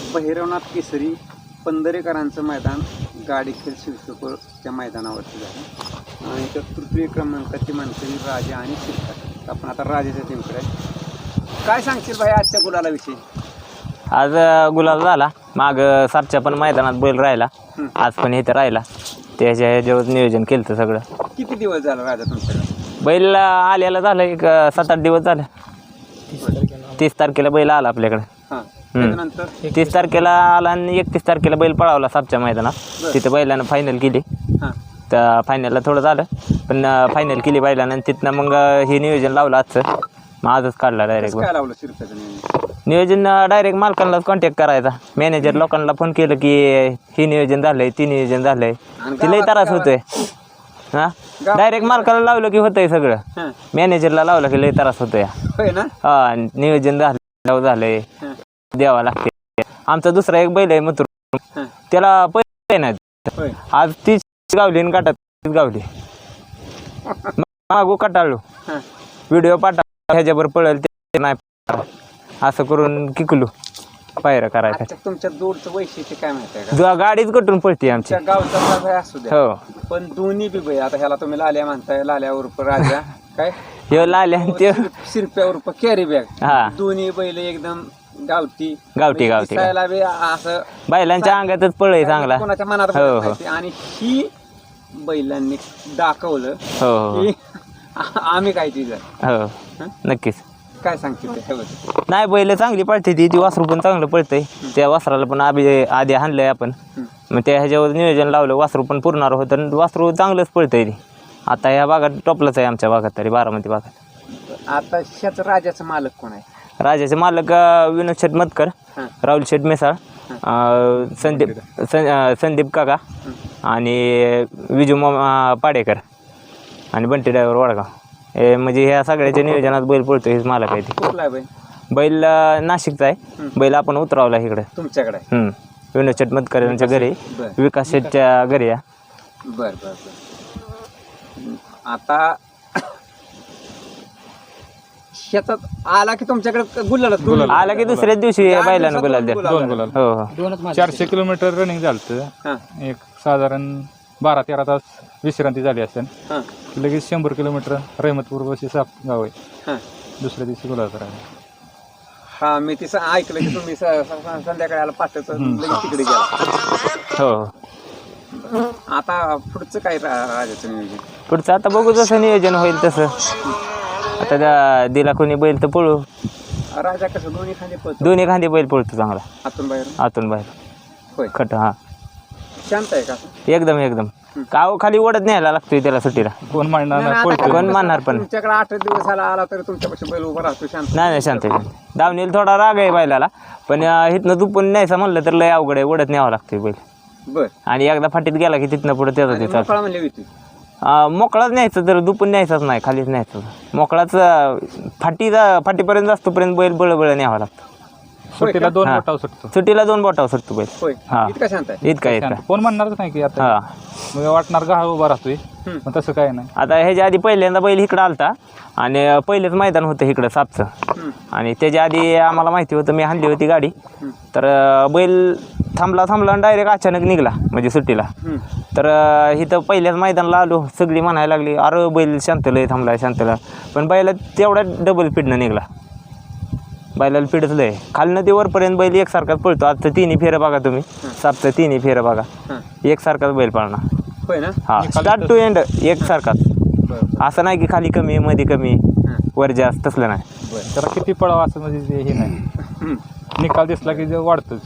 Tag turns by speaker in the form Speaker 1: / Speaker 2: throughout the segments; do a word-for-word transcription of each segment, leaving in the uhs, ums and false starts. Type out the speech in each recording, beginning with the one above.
Speaker 1: भैरवनाथ केसरी पंधरेकरांचं मैदान गाडीखेल शिरसोपरच्या मैदानावरती झालं आणि तर तृतीय क्रमांकाची मानकरी राजा आणि शिरका. आपण आता राजाच्या टीमकडे काय सांगशील भाई आजच्या गुलाला विषयी?
Speaker 2: आज गुलाल झाला, माग सातच्या पण मैदानात बैल राहिला, आज पण इथं राहिला. त्याच्या ह्याच्यावर नियोजन केलं तर सगळं.
Speaker 1: किती दिवस झाला राजा तुमच्याकडे?
Speaker 2: बैल आलेला झालं एक सात आठ दिवस झाले. तीस तारखेला बैल आला आपल्याकडे.
Speaker 1: त्यानंतर
Speaker 2: तीस तारखेला आला आणि एकतीस तारखेला बैल पळावला सातच्या मैदानात. तिथं बैलानं फायनल केली. तर फायनलला थोडं झालं पण फायनल केली बैलानं आणि तिथनं मग हे नियोजन लावलं आजचं. मग आजच काढला डायरेक्ट
Speaker 1: काय लावलं शिरकाचं नियोजन?
Speaker 2: नियोजन डायरेक्ट मालकांनाच कॉन्टॅक्ट करायचा. मॅनेजर लोकांना फोन केलं की हे नियोजन झालंय ती नियोजन झालंय, तिलाही त्रास होतोय. हां डायरेक्ट मालकाला लावलं की होतंय सगळं, मॅनेजरला लावलं की लई त्रास होतोय. हा नियोजन झालं झालंय द्यावा लागते. आमचा दुसरा एक बैल आहे मथुर, त्याला पैसे नाही. आज तीच गावली आणि काटात गावली. मागू कटाळलो, व्हिडिओ पाठा ह्याच्यावर पळेल ते नाही असं करून किकलू पायऱ्या करायचा.
Speaker 1: तुमच्या जोडचं वैशिष्ट्य काय माहिती आहे का?
Speaker 2: गाडीच कटून पळते आमच्या
Speaker 1: गावचा असू द्या.
Speaker 2: हो
Speaker 1: पण दोन्ही बी बैल, आता ह्याला तुम्ही लाल्या म्हणताय, लाल्या उर्फ राजा काय
Speaker 2: ह्यो लाल्या ते
Speaker 1: शिरप्या उर्फ कॅरी बॅग,
Speaker 2: हा
Speaker 1: दोन्ही बैल एकदम गावठी
Speaker 2: गावठी गावठी
Speaker 1: बी असं
Speaker 2: बैलांच्या अंगातच पळय चांगला.
Speaker 1: कोणाच्या मनात
Speaker 2: हो हो
Speaker 1: आणि ही बैलांनी दाखवलं
Speaker 2: हो हो
Speaker 1: की आम्ही काय चीज
Speaker 2: हो नक्कीच.
Speaker 1: काय सांगते त्याच्यावर?
Speaker 2: नाही बैल चांगली पळते ती ती वासरू पण चांगलं पळतंय. त्या वासराला पण आधी आधी हाणलंय आपण, मग त्या ह्याच्यावर नियोजन लावलं, वासरू पण पुरणार होतं आणि वासरू चांगलंच पळतंय ती. आता ह्या भागात टॉपलाच आहे आमच्या भागात, तरी बारामती भागात.
Speaker 1: आता ह्याच राजाचं मालक कोण आहे?
Speaker 2: राजाचे मालक विनोद शेठ मतकर, राहुल शेठ मेसाळ, संदीप संदीप काका आणि विजू मामा पाडेकर आणि बंटी ड्रायव्हर वडगाव. हे म्हणजे ह्या सगळ्याच्या नियोजनात बैल पळतो हेच मालक आहे.
Speaker 1: कुठला आहे बैल?
Speaker 2: बैल नाशिकचा आहे. बैल आपण उतरावला इकडे
Speaker 1: तुमच्याकडे.
Speaker 2: विनोद शेठ मतकर यांच्या घरी, विकास शेठच्या घरी.
Speaker 1: बर बर बर. आता शेतात आला की तुमच्याकडे गुलाल
Speaker 2: आला की दुसऱ्याच दिवशी बैलानं गुलाल द्या. हो हो
Speaker 3: चारशे किलोमीटर रनिंग झालं. एक साधारण बारा तेरा तास विश्रांती झाली असेल. लगेच शंभर किलोमीटर रहमतपूर बशी साप गाव आहे. दुसऱ्या दिवशी गुलाल करायला.
Speaker 1: हा मी तिचं ऐकलं की तुम्ही संध्याकाळी आला पाठच तिकडे गेला.
Speaker 2: हो
Speaker 1: आता पुढचं काय राजाचं नियोजन?
Speaker 2: पुढचं आता बघू जसं नियोजन होईल तसं. आता दिला कोणी बैल तर पळू.
Speaker 1: राजा कसं दोन्ही खांदे पळतो?
Speaker 2: दोन्ही खांदे बैल पळतो चांगला,
Speaker 1: आतून बाहेर.
Speaker 2: आतून बाहेर.
Speaker 1: होय
Speaker 2: खट हा
Speaker 1: शांत आहे का?
Speaker 2: एकदम एकदम. काव खाली ओढत न्यायला लागतोय त्याला सुट्टीला.
Speaker 3: कोण मांडणार
Speaker 2: कोण मानणार पण.
Speaker 1: तुमच्याकडे आठ दिवसाला आला तरी तुमच्यापाशी बैल उभा राहतो शांत?
Speaker 2: नाही नाही शांत आहे. दावणीला थोडा राग आहे बैलाला, पण इथनं दुपून न्यायचं म्हणलं तर लय अवघड आहे, ओढत न्यावं लागतोय बैल.
Speaker 1: बर.
Speaker 2: आणि एकदा फाटीत गेला की तिथनं पुढे त्याचा तिथं
Speaker 1: मोकळा म्हणली होती.
Speaker 2: मोकळाच न्यायचं, तर दुपून न्यायचाच नाही, खालीच न्यायचं. मोकळाच फाटीचा फाटीपर्यंत असतोपर्यंत बैल बळबळ न्यावा लागतो.
Speaker 3: सुट्टीला दोन बोटावर सुटतो.
Speaker 2: सुट्टीला दोन बोटावर सुटतो बैल.
Speaker 1: होय
Speaker 2: हा
Speaker 1: इतका शांत आहे?
Speaker 2: इतका इतका
Speaker 3: कोण म्हणणारच नाही की आता
Speaker 2: हा
Speaker 3: मग वाटणार का उभा राहतोय, पण तसं काय नाही.
Speaker 2: आता ह्याच्या आधी पहिल्यांदा बैल इकडं आलता आणि पहिलेच मैदान होतं इकडं सापचं. आणि त्याच्या आधी आम्हाला माहिती होतं, मी हाणली होती गाडी, तर बैल थांबला थांबला आणि डायरेक्ट अचानक निघला म्हणजे सुट्टीला. तर इथं पहिल्याच मैदानाला आलो, सगळी म्हणायला लागली अरे बैल शांतलंय थांबला शांतला, पण बैला तेवढा डबल स्पीडनं निघला. बैलाला पिडच लय खालनं ते वरपर्यंत बैल एकसारखाच पळतो. आजचं तिन्ही फेरं बघा तुम्ही, सापचं तिन्ही फेरं बघा, एकसारखाच बैल पाळणार.
Speaker 1: होय ना?
Speaker 2: हा स्टार्ट टू एंड एकसारखाच. असं नाही की खाली कमी मध्ये कमी वर जास्त, तसलं नाही.
Speaker 3: त्याला किती पळावं असं म्हणजे हे नाही. निकाल दिसला की वाढतोच.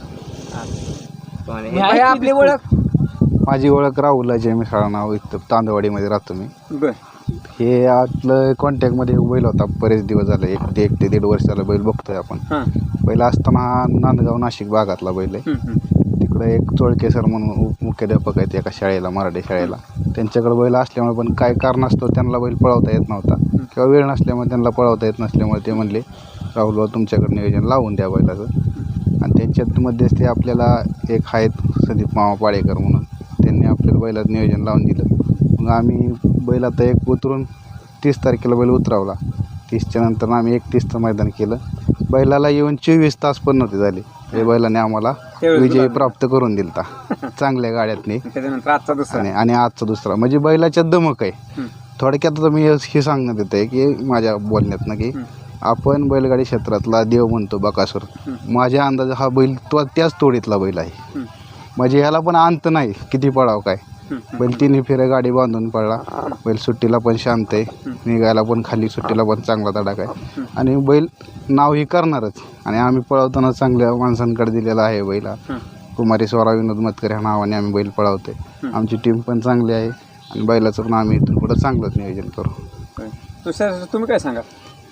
Speaker 1: आपली ओळख?
Speaker 4: माझी ओळख राहुल अजय मिसाळ नाव, इथं तांदवाडीमध्ये राहतो मी.
Speaker 1: बर.
Speaker 4: हे आपलं कॉन्टॅक्टमध्ये बैल होता बरेच दिवस झाले, एक ते एक ते दीड वर्षाला बैल बघतोय आपण. पहिला असताना हा नांदगाव नाशिक भागातला बैल आहे. तिकडे एक चोळके सर म्हणून उपमुख्याध्यापक आहेत एका शाळेला, मराठी शाळेला. त्यांच्याकडे बैल असल्यामुळे पण काय कारण असतो त्यांना बैल पळवता येत नव्हता किंवा वेळ नसल्यामुळे त्यांना पळवता येत नसल्यामुळे ते म्हणले राहुल तुमच्याकडे नियोजन लावून द्या बैलाचं. आणि त्यांच्यामध्येच ते आपल्याला एक आहेत संदीप मामा पाडेकर म्हणून, त्यांनी आपल्याला बैलाचं नियोजन लावून दिलं. मग आम्ही बैल आता एक उतरून तीस तारखेला बैल उतरावला. तीसच्या नंतर आम्ही एकतीसचं मैदान केलं. बैलाला येऊन चोवीस तास पण नव्हते झाले, हे बैलाने आम्हाला
Speaker 1: त्यावेळेस
Speaker 4: विजय
Speaker 1: गुलाल.
Speaker 4: प्राप्त करून दिलता चांगल्या गाड्यातनी.
Speaker 1: त्याच्यानंतर आजचा दुसरा
Speaker 4: आणि आणि आजचा दुसरा म्हणजे बैलाच्या दमक आहे.
Speaker 1: हं.
Speaker 4: थोडक्यात आता मी हे सांगण्यात येत आहे की माझ्या बोलण्यातनं की
Speaker 1: हं.
Speaker 4: आपण बैलगाडी क्षेत्रातला देव म्हणतो बकासूर.
Speaker 1: हं.
Speaker 4: माझ्या अंदाजे हा बैल तो त्याच तोडीतला बैल आहे.
Speaker 1: हं.
Speaker 4: म्हणजे ह्याला पण अंत नाही किती पडाव काय.
Speaker 1: हं.
Speaker 4: बैल तिन्ही फेऱ्या गाडी बांधून पडला. बैल सुट्टीला पण शांत आहे. निघायला पण खाली सुट्टीला पण चांगला तडाख आहे. आणि बैल नाव ही करणारच. आणि आम्ही पळवताना चांगल्या माणसांकडे दिलेला आहे बैल हा.
Speaker 1: हं.
Speaker 4: कुमारी स्वरा विनोद मतकर ह्या नावाने आम्ही बैल पळवतोय. आमची टीम पण चांगली आहे आणि बैलाचं पण आम्ही इथून पुढं चांगलंच नियोजन करू.
Speaker 1: तुषार तुम्ही काय सांगा?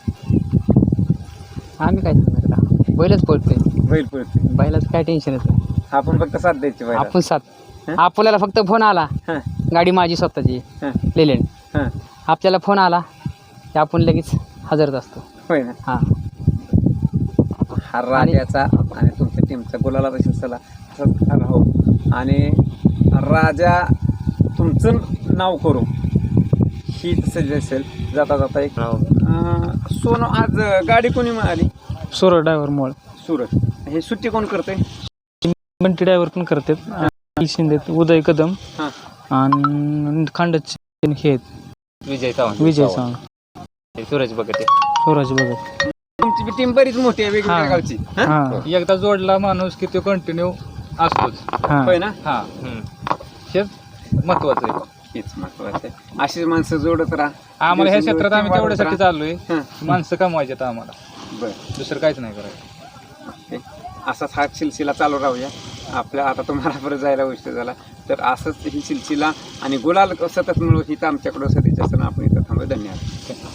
Speaker 5: आम्ही काय सांगणार आता बैलच पळतोय,
Speaker 1: बैल पळते
Speaker 5: बैलाचं काय टेन्शनच नाही.
Speaker 1: आपण फक्त साथ द्यायची बैल.
Speaker 5: आपण सात
Speaker 1: हं?
Speaker 5: आपल्याला फक्त फोन आला,
Speaker 1: हां
Speaker 5: गाडी माझी स्वतःची
Speaker 1: हां
Speaker 5: लेलेंड,
Speaker 1: हां
Speaker 5: आपल्याला फोन आला की आपण लगेच हजरच असतो.
Speaker 1: होय ना.
Speaker 5: हां
Speaker 1: हा राजाचा आणि तुमच्या टीमचा गुलाला तशी चला असंच राहो. आणि राजा तुमचं नाव करू ही सज्ज असेल. जाता जाता एक अं, सोनं आज गाडी कोणी मिळाली?
Speaker 5: सोर ड्रायव्हर मोळ
Speaker 1: सुरत. हे सुट्टी कोण करते?
Speaker 5: बंटी ड्रायव्हर पण करतात, शिंदे उदय कदम
Speaker 1: हां
Speaker 5: आणि खांडच हे आहेत,
Speaker 2: विजय चव्हाण
Speaker 5: विजय चव्हाण,
Speaker 2: सूरज बघते
Speaker 5: स्वराज भगत.
Speaker 1: तुमची बी टीम बरीच मोठी आहे वेगवेगळ्या
Speaker 5: हां.
Speaker 1: गावची. हं?
Speaker 5: हां
Speaker 3: एकदा जोडला माणूस की तो कंटिन्यू असतोच.
Speaker 5: हां
Speaker 1: होय ना.
Speaker 3: हा हेच महत्वाचं आहे.
Speaker 1: हेच महत्वाचं आहे. अशीच माणसं जोडत राहा.
Speaker 3: आम्हाला ह्या
Speaker 1: दिवसेंदिवस
Speaker 3: क्षेत्रात आम्ही
Speaker 1: team
Speaker 3: तेवढ्यासाठी
Speaker 1: वाढवत
Speaker 3: चाललोय,
Speaker 1: हं.
Speaker 3: माणसं कमवायचे आहेत आम्हाला,
Speaker 1: बरं.
Speaker 3: दुसरं काहीच नाही करायचं.
Speaker 1: ओके. असाच हा सिलसिला चालू राहूया. आपल्या आता तुम्हाला परत जायला उशीर झाला तर असंच ही सिलसिला आणि गुलाल सतत मिळू ही तर आमच्याकडं सध्याच्या असताना आपण इथं थांबू. धन्यवाद.